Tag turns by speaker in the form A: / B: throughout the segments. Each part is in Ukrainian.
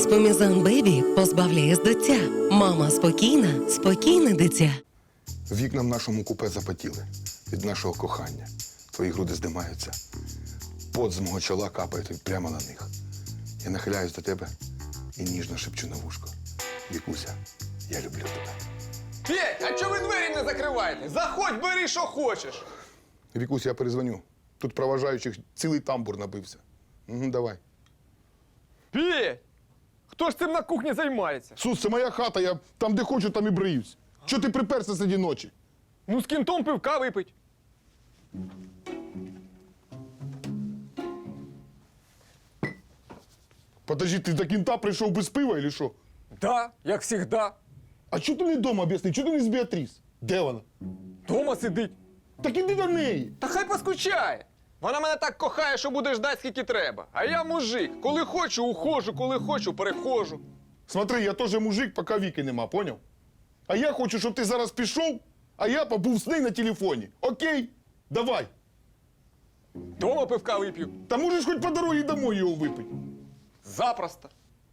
A: Еспомізан Бебі позбавляє з дитя. Мама спокійна, спокійне дитя.
B: Вікна в нашому купе запотіли від нашого кохання. Твої груди здимаються. Пот з мого чола капає прямо на них. Я нахиляюсь до тебе і ніжно шепчу на вушко. Вікуся, я люблю тебе.
C: Петь, а чого ви двері не закриваєте? Заходь, бери, що хочеш.
B: Вікуся, я перезвоню. Тут проважаючих цілий тамбур набився. Угу, давай.
C: Петь! Хто ж цим на кухні займається?
B: Сус, це моя хата, я там, де хочу, там і бриюсь. Чого ти приперся серед ночі?
C: Ну, з кінтом пивка випить.
B: Подожди, ти до кінта прийшов без пива, чи що?
C: Да, як завжди.
B: А чого ти не вдома, об'ясни? Чого ти не з Біатріс? Де вона?
C: Дома сидить.
B: Так іди до неї.
C: Та хай поскучає. Вона мене так кохає, що буде ждать, скільки треба. А я мужик. Коли хочу, ухожу, коли хочу, перехожу.
B: Смотри, я теж мужик, поки Віки нема, поняв? А я хочу, щоб ти зараз пішов, а я побув з нею на телефоні. Окей? Давай.
C: Дома пивка вип'ю.
B: Та можеш хоч по дорозі домой його випити.
C: Запросто.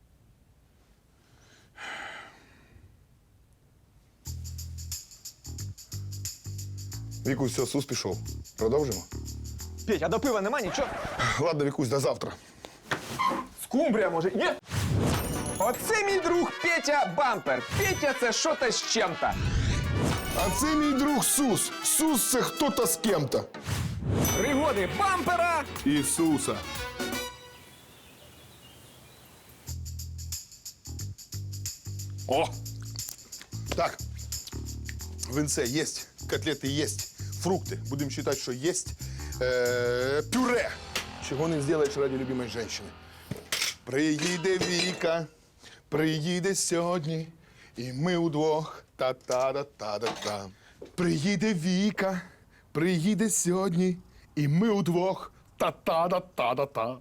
B: Вікусь, все, Сус пішов. Продовжимо?
C: Петь, а до пива нема нічого?
B: Ладно, Вікусь, до завтра.
C: Скумбрія, може, є? Оце мій друг Петя Бампер. Петя – це що-то з чим-то.
B: А це мій друг Сус. Сус – це хто-то з кем-то.
C: Пригоди Бампера.
B: Ісуса. О! Так. Винце есть, котлети есть, фрукти. Будемо вважати, що есть. Пюре. Чого не зробиш ради любимої жінки. Приїде Віка, приїде сьогодні, і ми удвох та-та-да-та-да-та. Приїде Віка, приїде сьогодні, і ми удвох та-та-да-та-да-та.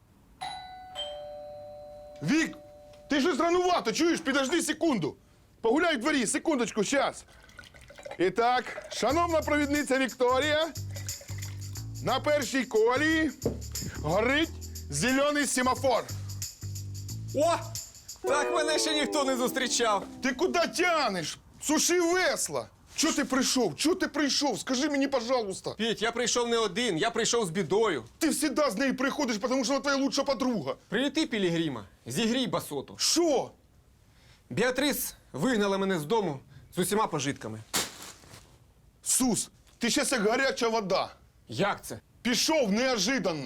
B: Вік, ти щось ранувато, чуєш? Підожди секунду. Погуляй в дворі, секундочку, щас. І так, шановна провідниця Вікторія, на першій колії горить зелений семафор.
C: О! Так мене ще ніхто не зустрічав.
B: Ти куди тянеш? Суши весла. Чого ти прийшов? Чого ти прийшов? Скажи мені, пожалуйста.
C: Петь, я прийшов не один, я прийшов з бідою.
B: Ти завжди з нею приходиш, тому що вона твоя лучша подруга.
C: Прилети, Пілігрима, зігрій басоту.
B: Що?
C: Біатрис вигнала мене з дому з усіма пожитками.
B: Сус, ти щас як гаряча вода.
C: Як це?
B: Пішов неожиданно.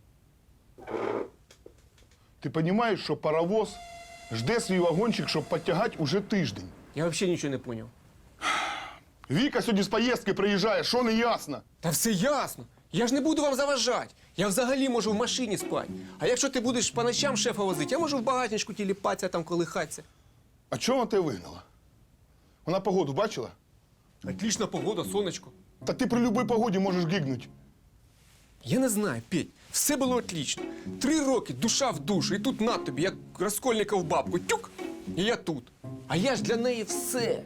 B: Ти розумієш, що паровоз жде свій вагончик, щоб підтягати уже тиждень.
C: Я взагалі нічого не зрозумів.
B: Віка сьогодні з поїздки приїжджає, що не ясно?
C: Та все ясно. Я ж не буду вам заважати. Я взагалі можу в машині спати. А якщо ти будеш по ночам шефа возити, я можу в багатничку тіліпатися, там колихатися.
B: А чого вона тебе вигнала? Вона погоду бачила?
C: Отлічна погода, сонечко.
B: Та ти при будь-якій погоді можеш гигнути.
C: Я не знаю, Петь, все було отлично. 3 роки, душа в душу, і тут на тобі, як Раскольников бабку, тюк, і я тут. А я ж для неї все.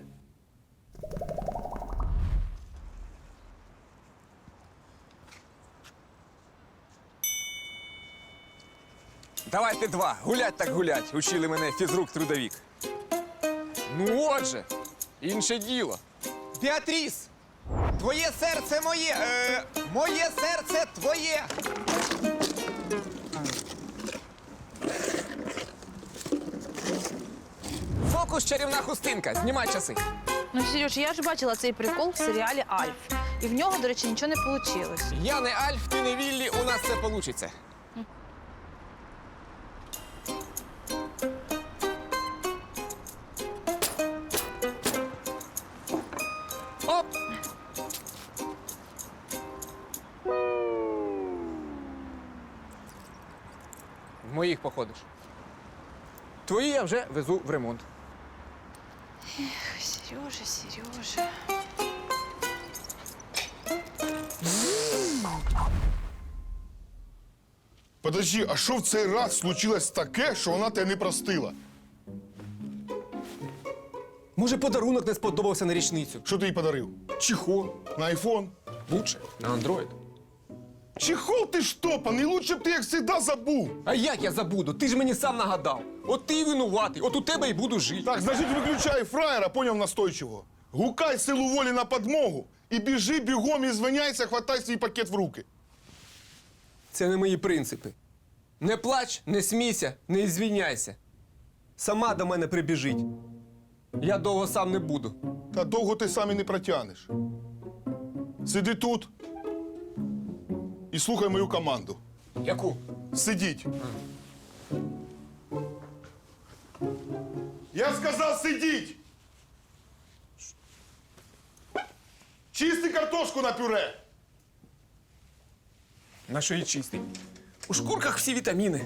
C: Давайте 2, гулять так гулять, учили мене фізрук-трудовік. Ну отже, інше діло. Біатріс, твоє серце моє, моє серце твоє. Фокус чарівна хустинка, знімай часи.
D: Ну, Сереж, я ж бачила цей прикол в серіалі «Альф». І в нього, до речі, нічого не вийшло.
C: Я не Альф, ти не Віллі, у нас це получиться. Оп! В моїх походиш. Твої я вже везу в ремонт.
D: Сережа, Сережа.
B: Подожди, а що в цей раз случилось таке, що вона тебе не простила?
C: Може, подарунок не сподобався на річницю?
B: Що ти їй подарив?
C: Чехол.
B: На айфон?
C: Лучше. На Android.
B: Чехол ти штопаний, лучше б ти, як завжди, забув.
C: А як я забуду? Ти ж мені сам нагадав. От ти і винуватий, от у тебе і буду жити.
B: Так, значить, виключай фраєра, поняв настойчиво. Гукай силу волі на подмогу і біжи бігом і звиняйся, хватай свій пакет в руки.
C: Це не мої принципи. Не плач, не смійся, не звільняйся. Сама до мене прибіжить. Я довго сам не буду.
B: Та довго ти сам і не протягнеш. Сиди тут і слухай мою команду.
C: Яку?
B: Сидіть. Я сказав сидіть! Чисти картошку на пюре!
C: На що її чистий? У шкурках всі вітаміни.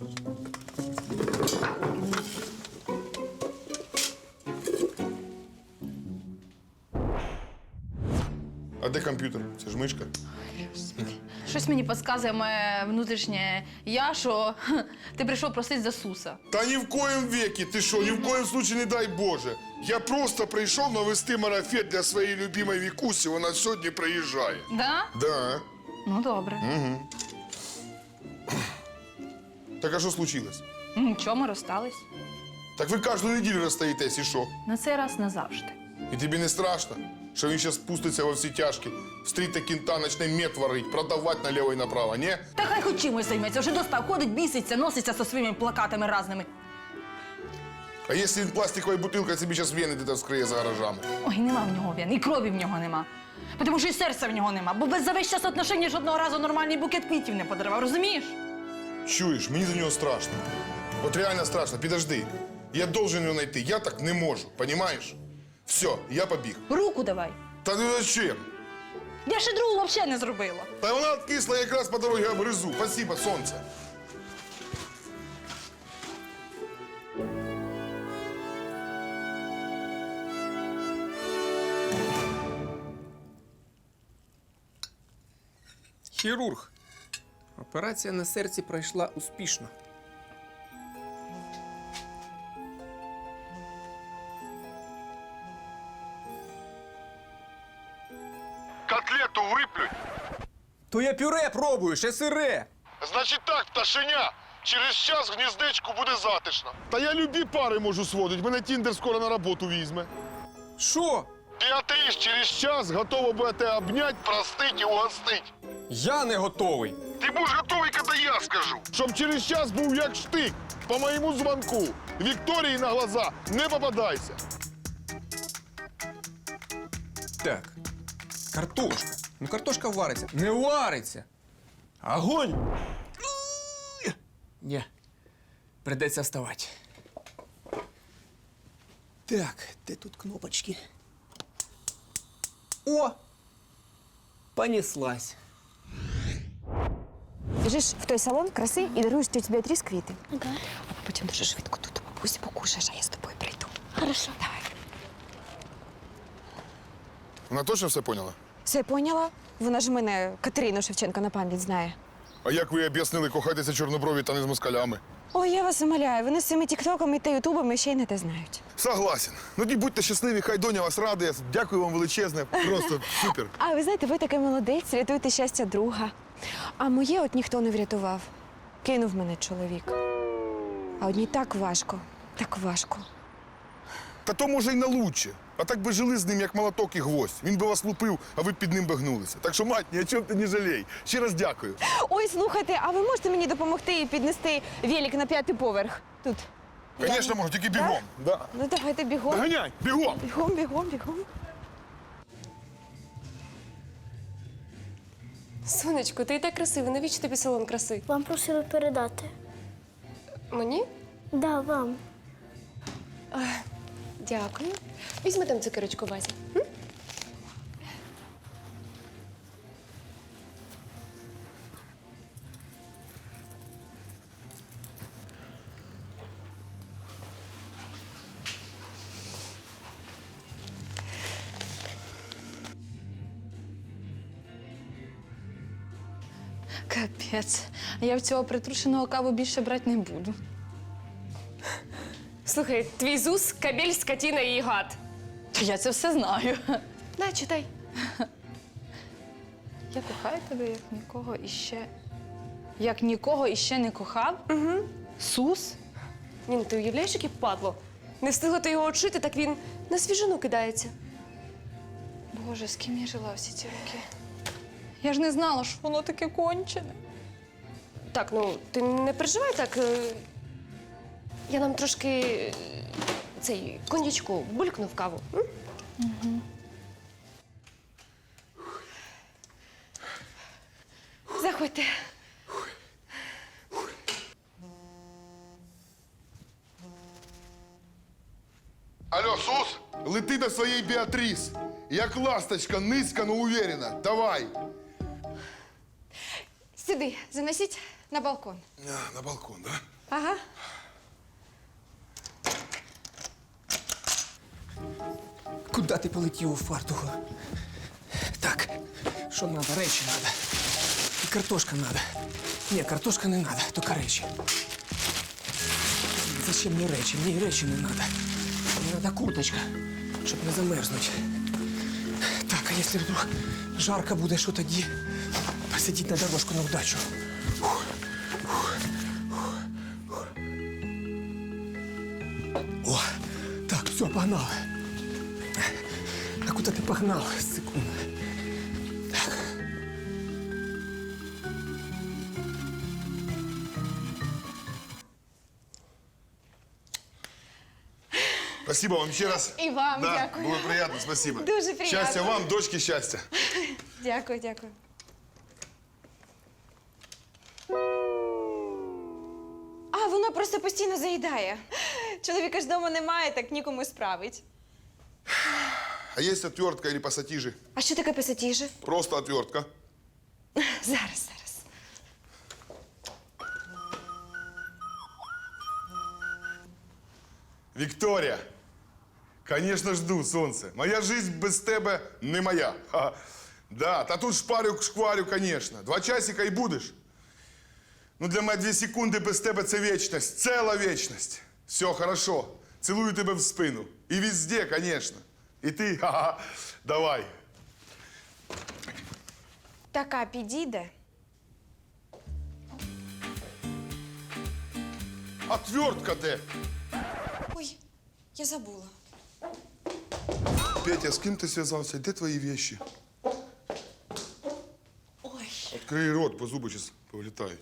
B: А де комп'ютер? Це ж мишка.
D: Щось мені підказує моє внутрішнє я, що ти прийшов просити за Суса.
B: Та ні в коєм векі, ти що, ні в коєм случае не дай Боже. Я просто прийшов навести марафет для своєї любимої Вікусі, вона сьогодні приїжджає.
D: Да?
B: Да.
D: Ну, добре.
B: Так а що случилось?
D: Нічого, ми розстались.
B: Так ви кожну неділю розстаєтесь і що?
D: На цей раз назавжди.
B: І тобі не страшно, що він зараз спуститься во всі тяжкі, встріте кінта, почне мед варить, продавати наліво і направо, ні?
D: Та хай хоч чимось займеться, вже достав, ходить, біситься, носиться зі своїми плакатами разними.
B: А якщо він пластиковою бутилкою собі зараз вени де-то вскриє за гаражами?
D: Ой, нема в нього вен, і крові в нього нема. Тому що і серця в нього нема, бо без за весь час отношення жодного разу нормальний букет квітів не подарував, розумієш?
B: Чуєш, мені за нього страшно. От реально страшно, підожди. Я должен його знайти, я так не можу, понімаєш? Все, я побіг.
D: Руку давай.
B: Та ну зачем?
D: Я ще другу взагалі не зробила.
B: Та вона откисла, я якраз по дорозі обгризу. Спасибо, сонце.
C: Хірург. Операція на серці пройшла успішно.
B: Котлету виплюнь.
C: То я пюре пробую, ще сире.
B: Значить так, пташеня. Через час в гніздечку буде затишно. Та я любі пари можу сводити. Мене Тіндер скоро на роботу візьме.
C: Що?
B: Біатріс через час готова будете обнять, простить і угостить.
C: Я не готовий.
B: Ти будеш готовий, коли я скажу. Щоб через час був як штик. По моєму дзвонку. Вікторії на глаза не попадайся.
C: Так. Картошка. Ну картошка вариться. Не вариться. Огонь! Ні. Придеться вставати. Так, де тут кнопочки? О! Понеслась.
E: Біжиш в той салон краси і даруєш тьоті Біатріс квіти. Ага. А потім дуже швидко тут у бабусі покушаєш, а я з тобою прийду.
F: Хорошо.
E: Давай.
B: Вона точно все поняла?
E: Все поняла? Вона ж мене Катерину Шевченко на пам'ять знає.
B: А як ви об'яснили, кохайтеся чорноброві та не з москалями?
E: Ой, я вас умоляю, вони з цими тіктоками та ютубами ще й не те знають.
B: Согласен. Ну ті будьте щасливі, хай доня вас радує. Дякую вам величезне. Просто супер.
E: А ви знаєте, ви такий молодець, рятуєте щастя друга. А моє от ніхто не врятував. Кинув мене чоловік. А одній так важко, так важко.
B: Та то може й на лучше. А так би жили з ним, як молоток і гвоздь. Він би вас лупив, а ви б під ним би гнулися. Так що, мать, ні о чому ти не жалій. Ще раз дякую.
E: Ой, слухайте, а ви можете мені допомогти і піднести велик на 5-й поверх? Тут.
B: Звісно, можу, тільки бігом. Да.
E: Ну давайте бігом.
B: Доганяй, бігом.
E: Бігом, бігом, бігом.
F: Сонечко, ти і так красива. Навіщо тобі салон краси?
G: Вам просили передати.
F: Мені?
G: Да, вам.
F: Дякую. Візьми там цукерочку в вазі. М?
D: Капець. Я в цього притрушеного каву більше брати не буду.
F: Слухай, твій ЗУС – кабель, скотина і гад.
D: Я це все знаю.
F: На, читай.
D: Я кохаю тебе як нікого іще. Як нікого іще не кохав? Угу. Сус?
F: Ні, ну ти уявляєш, яке падло? Не встигла ти його очити, так він на свіжину кидається.
D: Боже, з ким я жила всі ці роки? Я ж не знала, що воно таке кончене.
F: Так, ну ти не переживай так. Я нам трошки цей коньячку булькну в каву. М?
D: Заходьте.
B: Алло, Сус, лети до своєї Біатріс. Як ласточка, низько, но уверенно. Давай.
E: Сюди, заносіть на балкон.
B: На балкон, да?
E: Ага.
C: Куди ти полетів у фартуху? Так, що треба? Речі треба. І картошка треба. Ні, картошка не треба, тільки речі. Зачем мені речі? Мені речі не треба. Мені треба курточка, щоб не замерзнути. Так, а якщо вдруг жарко буде, що тоді? Посидіть на дорожку на удачу. О, так, все, погнали. А куда ты погнал? Секунду. Так.
B: Спасибо вам ще раз.
E: І вам
B: Да,
E: дякую.
B: було приємно, спасибо.
E: Дуже приємно.
B: Щастя вам, дочки, щастя.
E: Дякую, дякую. А, воно просто постійно заїдає. Чоловіка ж вдома немає, так нікому справить.
B: А є отвертка или пасатижи?
E: А що таке пасатіжі?
B: Просто отвертка.
E: Зараз.
B: Вікторія, конечно, жду, сонце. Моя жизнь без тебе не моя. Ха. Да, та тут шкварю, конечно. 2 часика і будеш. Ну, для мене 2 секунди без тебе це вічність, ціла вічність. Все, хорошо. Цілую тебе в спину. І везде, конечно. І ти, ха-ха, давай.
E: Така підійде.
B: Отвертка де?
E: Ой, я забула.
B: Петя, з ким ти зв'язався? Де твої вещи?
E: Ой.
B: Открий рот, бо зуби зараз повилітають.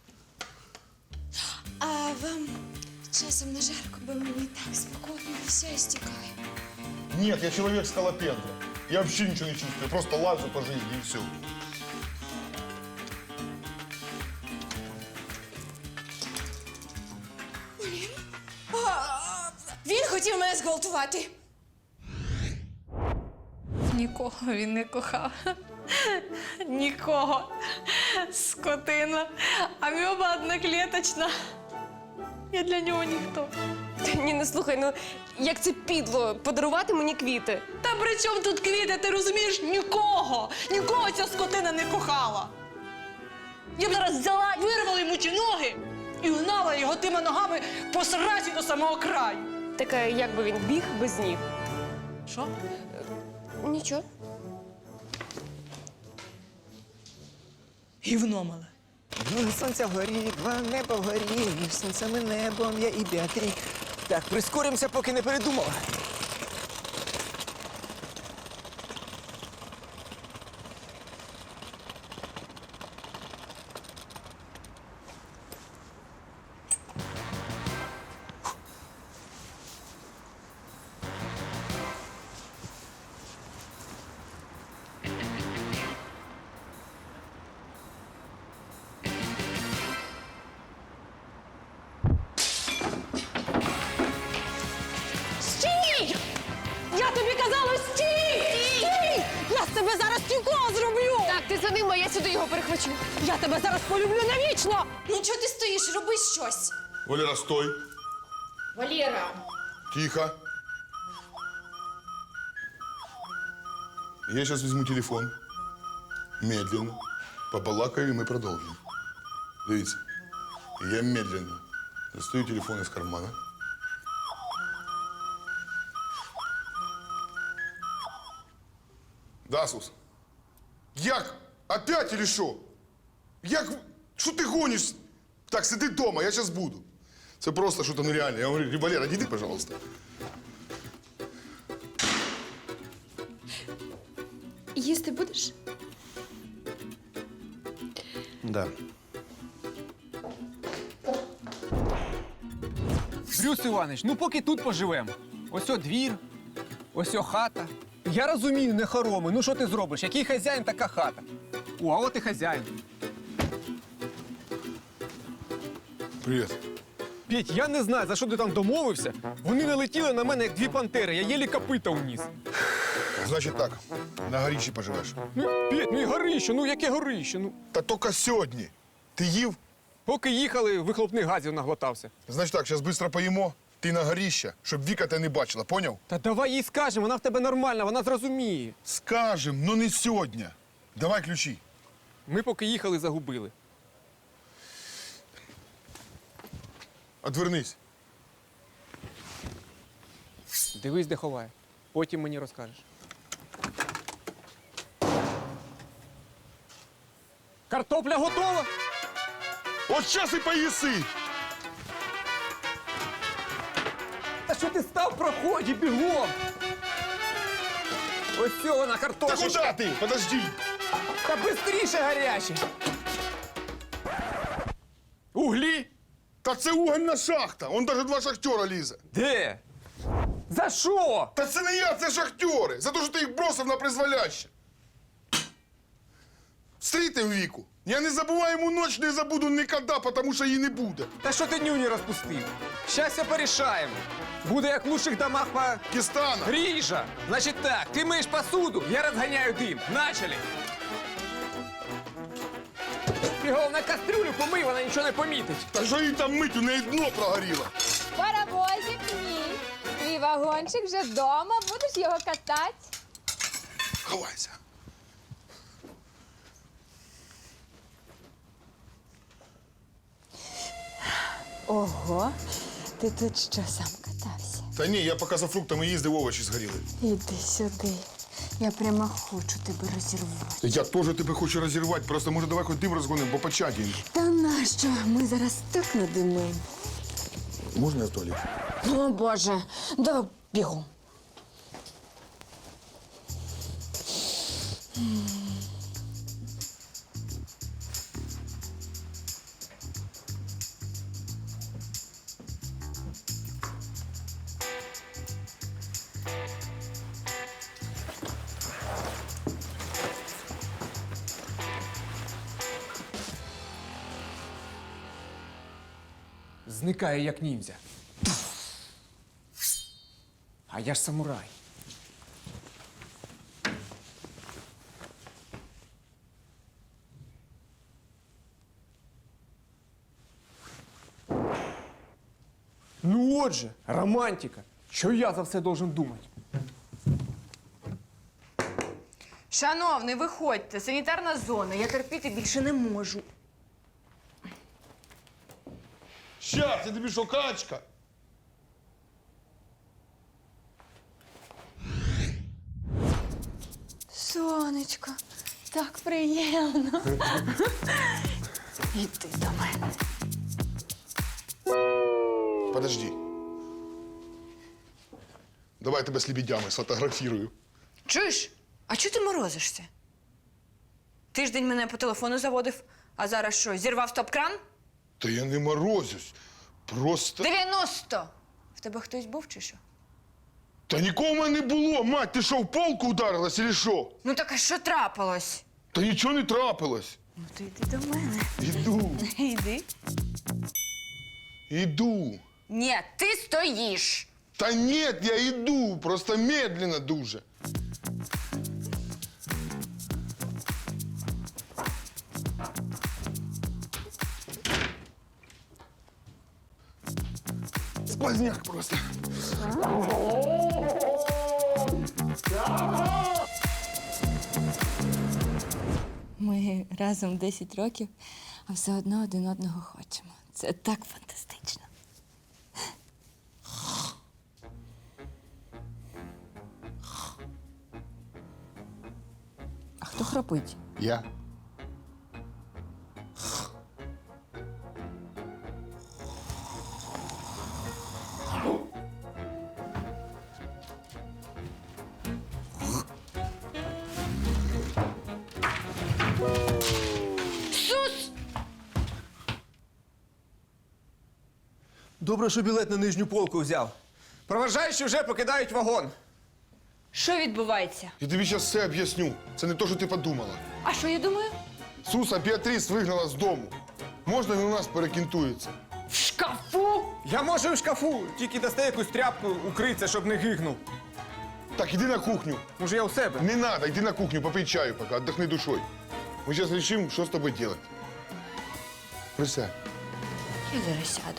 E: А вам часом не жарко, бо мені так спокійно все стікає.
B: Нет, я человек скалопендра. Я вообще ничего не чувствую, просто лазу по жизни и все.
E: Він хотів мене зґвалтувати.
D: Нікого він не кохав. Нікого. Скотина. Амеба одноклеточна. Я для нього ніхто.
F: Ні, не слухай, ну як це підло подарувати мені квіти.
D: Та при чому тут квіти, ти розумієш? Нікого! Нікого ця скотина не кохала! Я б зараз взяла, вирвала йому ті ноги і гнала його тими ногами по сразі до самого краю.
F: Таке, як би він біг без ніг.
D: Що?
F: Нічого.
D: Гівно мале.
H: Ну, сонце вгорі, два небо вгорі, між сонцем і небом я і Біатрі. Так, прискоримося, поки не передумала.
D: Стій! Я тобі казала, стій! Стій! Я з тебе зараз тюкова зроблю!
F: Так, ти за ним, а я сюди його перехвачу.
D: Я тебе зараз полюблю навічно!
E: Ну чого ти стоїш? Роби щось.
B: Валера, стой.
F: Валера.
B: Тихо. Я сейчас возьму телефон. Медленно. Побалакаю, и мы продолжим. Дивіться. Я медленно достаю телефон из кармана. Да, Сус? Як? Опять или що? Як? Що ти гониш? Так, сиди вдома, я зараз буду. Це просто що-то нереальне. Я говорю, Валера, іди, пожалуйста.
F: Їсти будеш?
B: Да.
C: Брюс Іванович, ну поки тут поживемо. Ось о двір, ось о хата. Я розумію, не хороми. Ну що ти зробиш? Який хазяїн, така хата. О, а от і хазяїн.
B: Привіт.
C: Петь, я не знаю, за що ти там домовився. Вони налетіли на мене, як дві пантери. Я єлі копита уніс.
B: Значить так, на горіші поживеш.
C: Ну, Петь, ну і горище, ну яке горище? Ну,
B: Та тільки сьогодні. Ти їв?
C: поки їхали, вихлопних газів наглотався.
B: Значить так, зараз швидко поїмо, ти на горіще, щоб Віка тебе не бачила, поняв?
C: Та давай їй скажемо, вона в тебе нормальна, вона зрозуміє.
B: Скажем, но не сьогодні. Давай ключі.
C: Ми поки їхали, загубили.
B: Отвернись.
C: Дивись, де ховає. Потім мені розкажеш. Картопля готова?
B: От зараз і поїси.
C: Та що ти став в проході, бігом? Ось цього вона
B: Та
C: картошечка.
B: куди ти? Подожди.
C: Та бистріше гаряче. Углі?
B: Та це угольна шахта. Он навіть два шахтера лізе.
C: Де? За що?
B: Та це не я, це шахтери. За те, що ти їх бросив на призволяще. Встрітив Віку. Я не забуваємо ніч, не забуду ніколи, тому що її не буде.
C: Та що ти нюні розпустив? Щастя порішаємо. Буде як в лучших домах по...
B: Кістана.
C: Гріша! Значить так, ти миєш посуду, я розганяю дим. Начали! Бігом на кастрюлю помий, вона нічого не помітить.
B: Та що їй там мить, у неї дно прогоріло.
I: Паровозик мій. Твій вагончик вже вдома, будеш його катати.
B: Ховайся.
I: Ого, ти тут що, сам катався?
B: Та ні, я поки за фруктами їздив, овочі згоріли.
I: Іди сюди. Я прямо хочу тебе розірвати.
B: Я теж тебе хочу розірвати, просто може давай хоч дим розгонимо, бо почадіємо.
I: Та нащо? Ми зараз так надимимо.
B: Можна я в туалет?
I: О, Боже, давай бігом.
C: Зникає, як ніндзя. А я ж самурай. Ну отже, романтика. Що я за все должен думати?
D: Шановний, виходьте, санітарна зона. Я терпіти більше не можу.
B: Щас, я тобі що, качка?
I: Сонечко, так приємно. Іди до мене.
B: Подожди. Давай я тебе з лебедями сфотографірую.
D: Чуєш? А чого ти морозишся? Тиждень мене по телефону заводив, а зараз що, зірвав стоп-кран?
B: Та я не морозюсь. Просто.
D: 90! В тебе хтось був чи що?
B: Та нікого в мене не було, мать, ти що, в полку ударилась, чи що?
D: Ну так а що трапилось?
B: Та нічого не трапилось.
D: Ну то йди до мене.
B: Іду,
D: Йди.
B: іду.
D: Ні, ти стоїш.
B: Та ні, я іду, просто медленно дуже. Сквозняк просто.
I: Ми разом 10 років, а все одно один одного хочемо. Це так фантастично. А хто храпить?
B: Я?
H: Добре, що білет на нижню полку взяв. Проважаючі вже покидають вагон.
I: Що відбувається?
B: Я тобі зараз все об'ясню. Це не те, що ти подумала.
I: А що я думаю?
B: Суса Біатріс вигнала з дому. Можна він у нас перекінтується?
I: В шкафу?
H: Я можу в шкафу, тільки дасте якусь тряпку, укриться, щоб не гигнув.
B: Так, іди на кухню.
H: Може, я у себе?
B: Не надо, иди на кухню, попей чаю пока, отдохни душой. Мы сейчас решим, что с тобой делать. Присядь.
I: Я зараз сяду.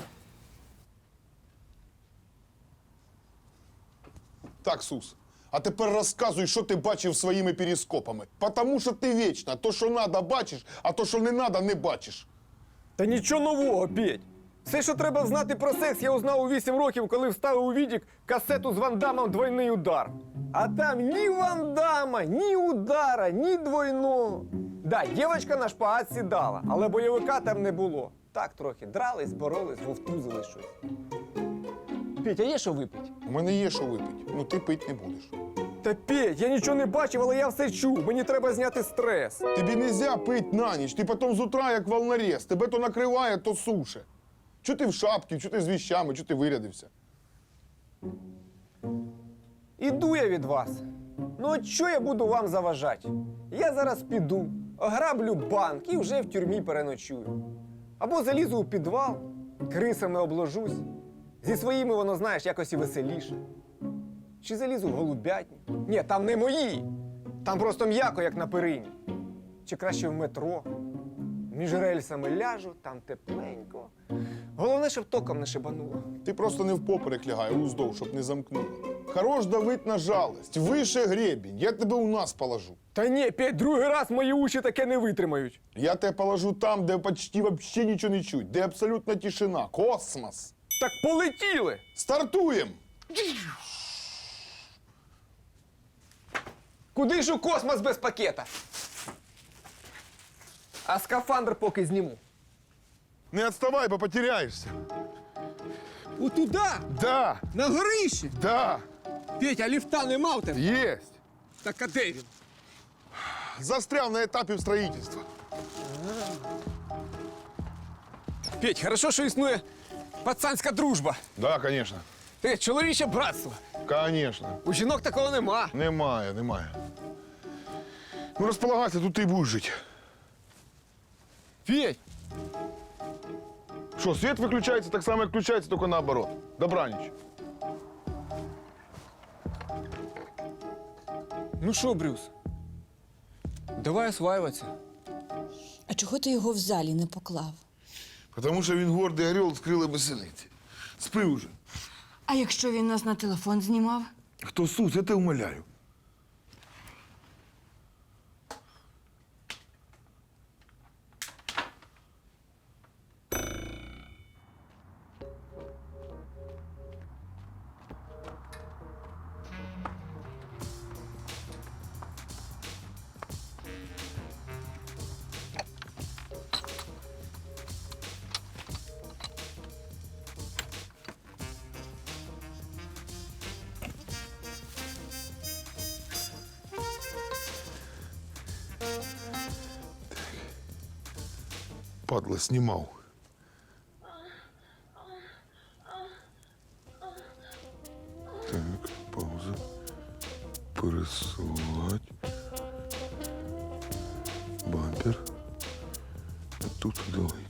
B: Так, Сус, а тепер розказуй, що ти бачив своїми перископами. Потому що ти вічно то, що надо, бачиш, а то, що не надо, не бачиш.
J: Та нічого нового, Петь. Все, що треба знати про секс, я узнав у 8 років, коли вставив у відік касету з Ван Дамом «Двойний удар». А там ні Ван Дама, ні удара, ні двойного. Да, дівчинка на шпагат сідала, але бойовика там не було. Так трохи дрались, боролись, вовтузили щось. Петь, а є що випити?
B: У мене є що випити, ну ти пить не будеш.
J: Та Петь, я нічого не бачив, але я все чув. Мені треба зняти стрес.
B: Тобі нельзя пить на ніч, ти потім з утра як волнорез, тебе то накриває, то суше. Чого ти в шапці, чого ти з віщами, чого ти вирядився?
J: Іду я від вас. Ну от що я буду вам заважати? Я зараз піду, ограблю банк і вже в тюрмі переночую. Або залізу у підвал, крисами обложусь. Зі своїми, воно, знаєш, якось і веселіше. Чи залізу в голубятню? Ні, там не мої. Там просто м'яко, як на перині. Чи краще в метро. Між рельсами ляжу, там тепленько. Головне, щоб током не шибануло.
B: Ти просто не впоперек лягай, а уздовж, щоб не замкнуло. Хорош давить на жалость, вище гребінь, я тебе у нас положу.
J: Та ні, Петь, другий раз мої уші таке не витримають.
B: Я тебе положу там, де почти вообще нічого не чуть, де абсолютна тишина, космос.
J: Так полетіли!
B: Стартуємо!
J: Куди ж у космос без пакета? А скафандр поки зніму.
B: Не відставай, бо потеряєшся.
J: Отуда?
B: Да,
J: На горищі?
B: да,
J: Петь, а ліфта нема в тебе?
B: єсть.
J: Так а де він?
B: Застряв на етапі строїтельства.
J: Петь, хорошо, що існує пацанська дружба.
B: Да, конечно.
J: Ти, чоловіче братство.
B: Конечно.
J: У жінок такого нема.
B: Немає, немає. Ну, розполагайся, тут ти й будеш жити.
J: Петь,
B: Що, світ виключається так само, як включається, тільки наоборот. Добраніч.
J: ну що, Брюс? Давай осваюватися.
I: А чого ти його в залі не поклав?
B: Тому що він гордий орел з крила безсилиці. Спи уже.
I: А якщо він нас на телефон знімав?
B: Хто Сус, я тебе умоляю. Падла, знімав. Так, пауза. Пересилать. Бампер. Тут давай.